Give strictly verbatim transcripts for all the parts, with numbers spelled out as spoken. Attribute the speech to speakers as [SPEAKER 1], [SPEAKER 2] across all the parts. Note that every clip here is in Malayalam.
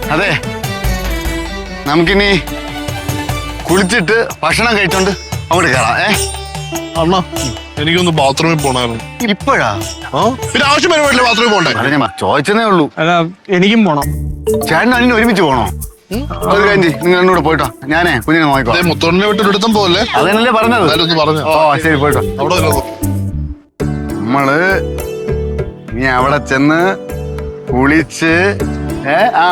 [SPEAKER 1] അതെ, നമുക്കിനി കുളിച്ചിട്ട് ഭക്ഷണം കഴിച്ചോണ്ട് അങ്ങോട്ട് കയറാം. ഏ
[SPEAKER 2] അണ്ണാ, എനിക്കൊന്ന് ബാത്റൂമിൽ പോണായിരുന്നു.
[SPEAKER 1] ഇപ്പോഴാ?
[SPEAKER 2] ആ പിന്നെ ആവശ്യം വരുമ്പോഴല്ലേ ബാത്റൂമിൽ പോണ്ടേ?
[SPEAKER 1] ചോദിച്ചതേ ഉള്ളൂ.
[SPEAKER 3] അല്ല, എനിക്കും പോണം.
[SPEAKER 1] ചേട്ടൻ അതിന് ഒരുമിച്ച് പോണോ? ഒരു കാര്യം ചെയ്യ്, നിങ്ങൾ എന്നോട് പോയിട്ടോ, ഞാനേ കുഞ്ഞിനെ നോക്കിക്കോ.
[SPEAKER 2] മുത്തോണിനെ വിട്ട് എടുത്തും പോലെ
[SPEAKER 1] അതന്നല്ലേ പറഞ്ഞത്.
[SPEAKER 2] പറഞ്ഞു.
[SPEAKER 1] ഓ ശരി, പോയിട്ടോ.
[SPEAKER 2] അവിടെ
[SPEAKER 1] നമ്മള് നീ അവിടെ ചെന്ന് കുളിച്ച് ആ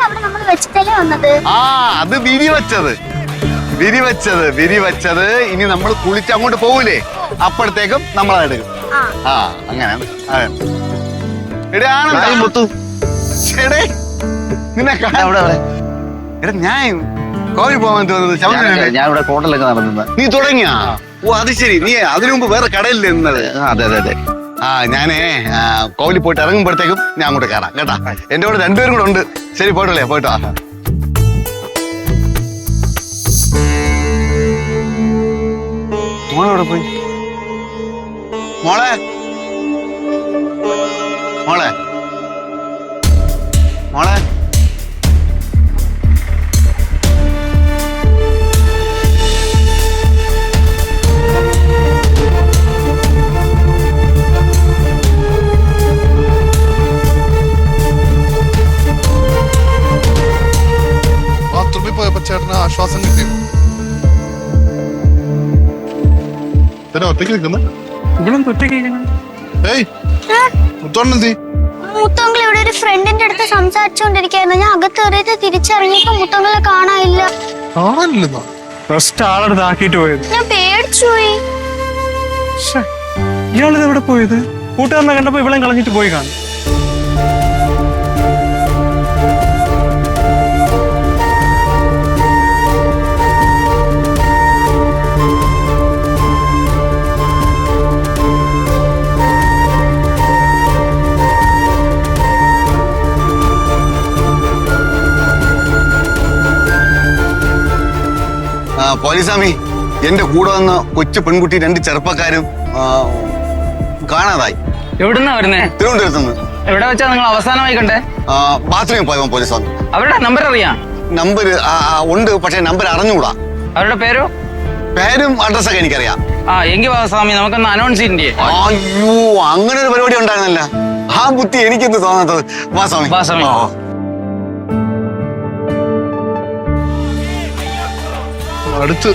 [SPEAKER 1] അത് വിരി വെച്ചത് വിരി വെച്ചത് വിരി വെച്ചത് ഇനി നമ്മൾ കുളിച്ച് അങ്ങോട്ട് പോകൂലേ, അപ്പോഴത്തേക്കും നമ്മൾ അതെടുക്കും. ആ അങ്ങനെ നിന്നെ എടാ, ഞാൻ കോഴി പോകാൻ തോന്നുന്നത്
[SPEAKER 4] ഞാൻ ഇവിടെ ഹോട്ടലൊക്കെ നടന്നത്.
[SPEAKER 1] നീ തുടങ്ങിയാ? ഓ അത് ശരി, നീ അതിനു മുമ്പ് വേറെ കടയിൽ നിന്നത്.
[SPEAKER 4] അതെ അതെ അതെ.
[SPEAKER 1] ആ ഞാനേ കോവിലിൽ പോയിട്ട് ഇറങ്ങുമ്പോഴത്തേക്കും ഞാൻ അങ്ങോട്ട് കയറാം കേട്ടാ. എന്റെ കൂടെ രണ്ടുപേരും കൂടെ ഉണ്ട്. ശരി, പോയിട്ടല്ലേ, പോയിട്ടോ. മോളെവിടെ പോയി? മോളെ മോളെ മോളെ
[SPEAKER 2] ബാത്റൂമിൽ പോയപ്പോ ചേട്ടന് ആശ്വാസം കിട്ടി. ഒറ്റയ്ക്ക് നിൽക്കുന്ന ഏയ് മുത്തോണെന്തി
[SPEAKER 5] മുത്തോങ്കൾ ഇവിടെ ഒരു ഫ്രണ്ടിന്റെ അടുത്ത് സംസാരിച്ചോണ്ടിരിക്കായിരുന്നു. ഞാൻ അകത്ത് കയറിയിട്ട് തിരിച്ചറിഞ്ഞപ്പോ മുത്തോങ്കളെ കാണാനില്ല.
[SPEAKER 2] കാണാനില്ലെന്നോ?
[SPEAKER 3] ഫസ്റ്റ് ആളെടുത്ത് ആക്കിട്ട് പോയത്.
[SPEAKER 5] ഞാൻ പേടിച്ചുപോയി.
[SPEAKER 3] ഇയാളിത് എവിടെ പോയത്? കൂട്ടുകാരനെ കണ്ടപ്പോ ഇവളെ കളഞ്ഞിട്ട് പോയി കാണും.
[SPEAKER 1] പോലീസാമി, എന്റെ കൂടെ വന്ന കൊച്ചു പെൺകുട്ടി രണ്ട് ചെറുപ്പക്കാരും കാണാതായി.
[SPEAKER 4] എവിടുന്നാ വരുന്നേ?
[SPEAKER 1] തിരുവനന്തപുരത്തുനിന്ന്.
[SPEAKER 4] എവിടെ വെച്ചാ നിങ്ങൾ അവസാനമായി കണ്ടേ?
[SPEAKER 1] ബാത്റൂമിൽ പോയപ്പോ പോലീസാമി.
[SPEAKER 4] അവരുടെ നമ്പർ അറിയാം?
[SPEAKER 1] നമ്പർ ഉണ്ട്, പക്ഷെ നമ്പർ അറിഞ്ഞുകൂടാ.
[SPEAKER 4] അവരുടെ പേരോ?
[SPEAKER 1] പേരും അഡ്രസ്സൊക്കെ എനിക്കറിയാം.
[SPEAKER 4] ആ എങ്കിൽ സ്വാമി നമുക്കൊന്ന് അനൗൺസ് ചെയ്യണ്ടേ?
[SPEAKER 1] അയ്യോ, അങ്ങനെ ഒരു പരിപാടി ഉണ്ടായിരുന്നല്ല. ആ ബുദ്ധി എനിക്കെന്ത് തോന്നാത്തത്. വാ സ്വാമി,
[SPEAKER 4] വാ സ്വാമി.
[SPEAKER 2] അടുത്ത്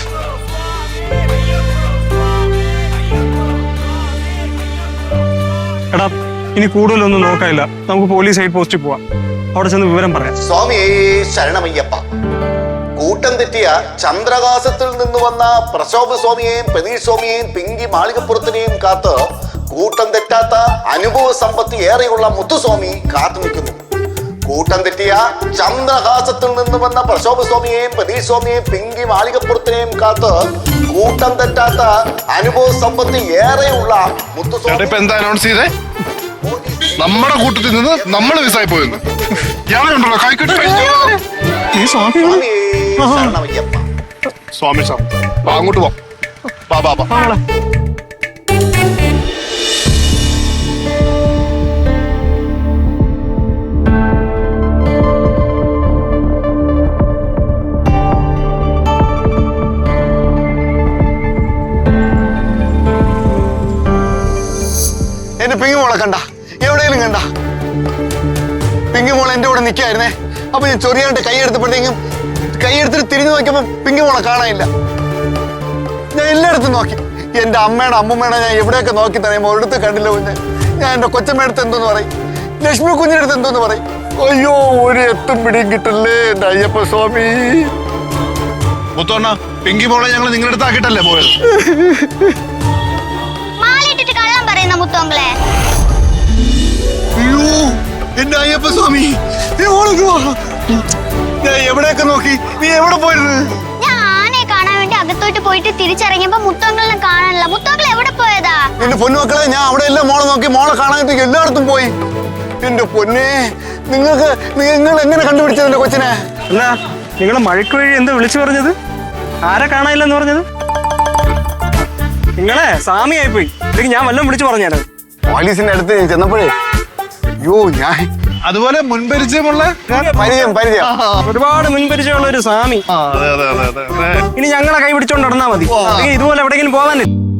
[SPEAKER 3] എടാ, ഇനി കൂടുതലൊന്നും നോക്കാനില്ല. നമുക്ക് പോലീസ് ഹെഡ് പോസ്റ്റിൽ പോവാം. അവിടെ ചെന്ന് വിവരം പറയാം.
[SPEAKER 1] സ്വാമി ശരണമയ്യപ്പ. കൂട്ടം തെറ്റിയ ചന്ദ്രകാശത്തിൽ നിന്ന് വന്ന പ്രശോഭ സ്വാമിയെയും പ്രതീഷ് സ്വാമിയെയും പിങ്കി മാളികപ്പുറത്തിനെയും കാത്ത് കൂട്ടം തെറ്റാത്ത അനുഭവ സമ്പത്തി ഏറെയുള്ള മുത്തുസ്വാമി കാത്തു നിൽക്കുന്നു. കൂട്ടം തെറ്റിയ ചന്ദ്രഹാസത്തിൽ നിന്ന് വന്ന പ്രശോഭ സ്വാമിയെയും പ്രതീഷ് സ്വാമിയെയും പിങ്കി മാളികപ്പുറത്തിനെയും കാത്ത് കൂട്ടം തെറ്റാത്ത അനുഭവ സമ്പത്തി ഏറെയുള്ള മുത്തുസ്വാമി.
[SPEAKER 2] എന്താ അനൗൺസ് ചെയ്തേ? നമ്മുടെ കൂട്ടത്തിൽ നിന്ന് നമ്മൾ മിസ്സായി പോയെന്ന്. ഞാനുണ്ടല്ലോ കൈക്കെട്ട് സ്വാമി സാർ, അങ്ങോട്ട് പോ. ബാ ബാ ബാ.
[SPEAKER 1] എന്റെ പിങ്ങിമോളെ കണ്ട? എവിടെയെങ്കിലും കണ്ട? പിങ്ങിമോളെ എന്റെ കൂടെ നിൽക്കായിരുന്നേ. അപ്പൊ ഞാൻ ചൊറിയാണ്ട് കൈയെടുത്തപ്പോഴത്തേക്കും കൈയെടുത്തിട്ട് തിരിഞ്ഞു നോക്കിയപ്പോ പിങ്ങിമോളെ കാണാനില്ല. ഞാൻ എല്ലായിടത്തും നോക്കി. എന്റെ അമ്മയുടെ അമ്മൂമ്മയുടെ ഞാൻ എവിടെയൊക്കെ നോക്കി തന്നെ ഒരിടത്ത് കണ്ടില്ല. കുഞ്ഞെ ഞാൻ എന്റെ കൊച്ചമ്മയുടെ എന്തോന്ന് പറയും, ലക്ഷ്മി കുഞ്ഞിന്റെ അടുത്ത് എന്തോന്ന് പറയും. അയ്യോ, ഒരു എത്തും പിടിയും കിട്ടല്ലേ എന്റെ അയ്യപ്പ സ്വാമി.
[SPEAKER 2] മുത്തോണ്ണ, പിങ്കി മോളെ ഞങ്ങൾ നിങ്ങളുടെ അടുത്ത് ആക്കിയിട്ടല്ലേ പോയത്?
[SPEAKER 1] അയ്യോ, എന്റെ അയ്യപ്പ സ്വാമി, ഞാൻ എവിടെയൊക്കെ നോക്കി. നീ എവിടെ പോയിരുന്നു?
[SPEAKER 5] ഞാൻ ആനയെ കാണാൻ വേണ്ടി അകത്തോട്ട് പോയിട്ട് തിരിച്ചിറങ്ങിയപ്പോ മുത്തോങ്കളെ കാണാനില്ല. മുത്തോങ്കൾ എവിടെ പോയതാ?
[SPEAKER 1] എന്റെ പൊന്നുമക്കളെ, ഞാൻ അവിടെ എല്ലാം മോളെ നോക്കി. മോളെ കാണാനായിട്ട് എല്ലായിടത്തും പോയി. എന്റെ പൊന്നെ, നിങ്ങൾക്ക് നിങ്ങൾ എങ്ങനെ കണ്ടുപിടിച്ചത് എന്റെ കൊച്ചിനെ?
[SPEAKER 3] അല്ല, നിങ്ങളെ മഴയ്ക്ക് വഴി എന്താ വിളിച്ചു പറഞ്ഞത്? ആരെ കാണാനില്ലെന്ന് പറഞ്ഞത്? നിങ്ങളെ സാമിയായി പോയി. അല്ലെങ്കിൽ ഞാൻ വല്ലതും വിളിച്ചു പറഞ്ഞാണ്.
[SPEAKER 1] പോലീസിന്റെ അടുത്ത് ചെന്നപ്പോഴേ, അയ്യോ, ഞാൻ
[SPEAKER 2] അതുപോലെ മുൻപരിചയമുള്ള
[SPEAKER 3] പരിചയം പരിചയം ഒരുപാട് മുൻപരിചയമുള്ള ഒരു സ്വാമി
[SPEAKER 2] ആ, അതെ അതെ അതെ അതെ അതെ
[SPEAKER 3] ഇനി ഞങ്ങളെ കൈ പിടിച്ചോണ്ട് നടന്നാ മതി അല്ലെങ്കിൽ ഇതുപോലെ എവിടെയെങ്കിലും പോവാനില്ല